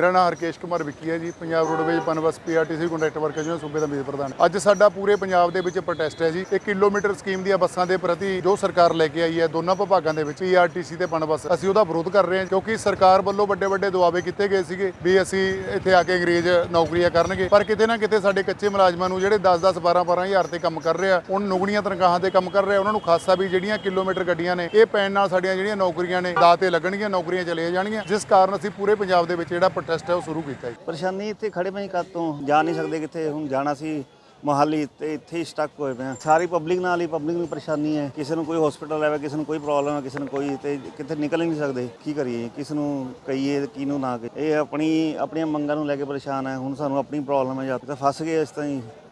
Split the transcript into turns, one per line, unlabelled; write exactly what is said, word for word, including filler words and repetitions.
ਮੇਰਾ ਨਾਮ ਹਰਕੇਸ਼ ਕੁਮਾਰ ਵਿੱਕੀ ਹੈ ਜੀ। Punjab roadways Punbus PRTC conductor worker union ਸੂਬੇ ਦਾ ਮੀਤ ਪ੍ਰਧਾਨ। ਅੱਜ ਸਾਡਾ ਪੂਰੇ ਪੰਜਾਬ ਦੇ ਵਿੱਚ ਪ੍ਰੋਟੈਸਟ ਹੈ ਜੀ। ਇੱਕ ਕਿਲੋਮੀਟਰ ਸਕੀਮ ਦੀਆਂ ਬੱਸਾਂ ਦੇ ਪ੍ਰਤੀ ਜੋ ਸਰਕਾਰ ਲੈ ਕੇ ਆਈ ਹੈ ਦੋਨਾਂ ਵਿਭਾਗਾਂ ਦੇ ਵਿੱਚ ਪੀਆਰਟੀਸੀ ਤੇ ਪਨਬਸ, ਅਸੀਂ ਉਹਦਾ ਵਿਰੋਧ ਕਰ ਰਹੇ ਹਾਂ ਕਿਉਂਕਿ ਸਰਕਾਰ ਵੱਲੋਂ ਵੱਡੇ ਵੱਡੇ ਦੁਆਵੇ ਕੀਤੇ ਗਏ ਸੀਗੇ ਵੀ ਅਸੀਂ ਇੱਥੇ ਆ ਕੇ ਅੰਗਰੇਜ਼ ਨੌਕਰੀਆਂ ਕਰਨਗੇ, ਪਰ ਕਿਤੇ ਨਾ ਕਿਤੇ ਸਾਡੇ ਕੱਚੇ ਮੁਲਾਜ਼ਮਾਂ ਨੂੰ ਜਿਹੜੇ ਦਸ ਦਸ ਬਾਰਾਂ ਬਾਰਾਂ ਹਜ਼ਾਰ ਤੇ ਕੰਮ ਕਰ ਰਹੇ ਆ, ਉਹਨਾਂ ਨੁਗਣੀਆਂ ਤਨਖਾਹਾਂ ਤੇ ਕੰਮ ਕਰ ਰਹੇ ਆ, ਉਹਨਾਂ ਨੂੰ ਖਾਸਾ ਵੀ ਜਿਹੜੀਆਂ ਕਿਲੋਮੀਟਰ ਗੱਡੀਆਂ ਨੇ ਇਹ ਪੈਣ ਨਾਲ ਸਾਡੀਆਂ ਜਿਹੜੀਆਂ ਨੌਕਰੀਆਂ ਨੇ ਦਾਅ ਤੇ ਲੱਗਣਗੀਆਂ, ਨੌਕਰੀਆਂ ਚਲੀਆਂ ਜਾਣਗੀਆਂ, ਜਿਸ ਕਾਰਨ ਅਸੀਂ ਪੂਰੇ ਪੰਜਾਬ ਦੇ ਵਿੱਚ ਜਿਹੜਾ ਪ੍ਰੋਟੈਸਟ ਹੈ ਉਹ ਸ਼ੁਰੂ ਕੀਤਾ ਹੈ।
ਪਰੇਸ਼ਾਨੀ ਇੱਥੇ ਖੜੇ ਪਏ ਕਦ ਤੋਂ ਜਾ ਨਹੀਂ ਸਕਦੇ, ਕਿੱਥੇ ਹੁਣ ਜਾਣਾ ਸੀ ਮੋਹਾਲੀ ਤੇ ਇੱਥੇ ਹੀ ਸਟਕ ਹੋਏ ਪਏ ਆ। ਸਾਰੀ ਪਬਲਿਕ ਨਾਲ ਹੀ ਪਬਲਿਕ ਨੂੰ ਪਰੇਸ਼ਾਨੀ ਹੈ, ਕਿਸੇ ਨੂੰ ਕੋਈ ਹਸਪੀਟਲ ਆਵੇ, ਕਿਸੇ ਨੂੰ ਕੋਈ ਪ੍ਰੋਬਲਮ ਹੈ, ਕਿਸੇ ਨੂੰ ਕੋਈ, ਤੇ ਕਿਤੇ ਨਿਕਲ ਹੀ ਨਹੀਂ ਸਕਦੇ। ਕੀ ਕਰੀਏ, ਕਿਸ ਨੂੰ ਕਹੀਏ ਕਿਹਨੂੰ ਨਾ ਕਹੀਏ। ਇਹ ਆਪਣੀ ਆਪਣੀਆਂ ਮੰਗਾਂ ਨੂੰ ਲੈ ਕੇ ਪਰੇਸ਼ਾਨ ਹੈ। ਹੁਣ ਸਾਨੂੰ ਆਪਣੀ ਪ੍ਰੋਬਲਮ ਹੈ, ਜਾਂ ਤਾਂ ਫਸ ਗਏ ਇਸ ਤਰ੍ਹਾਂ ਹੀ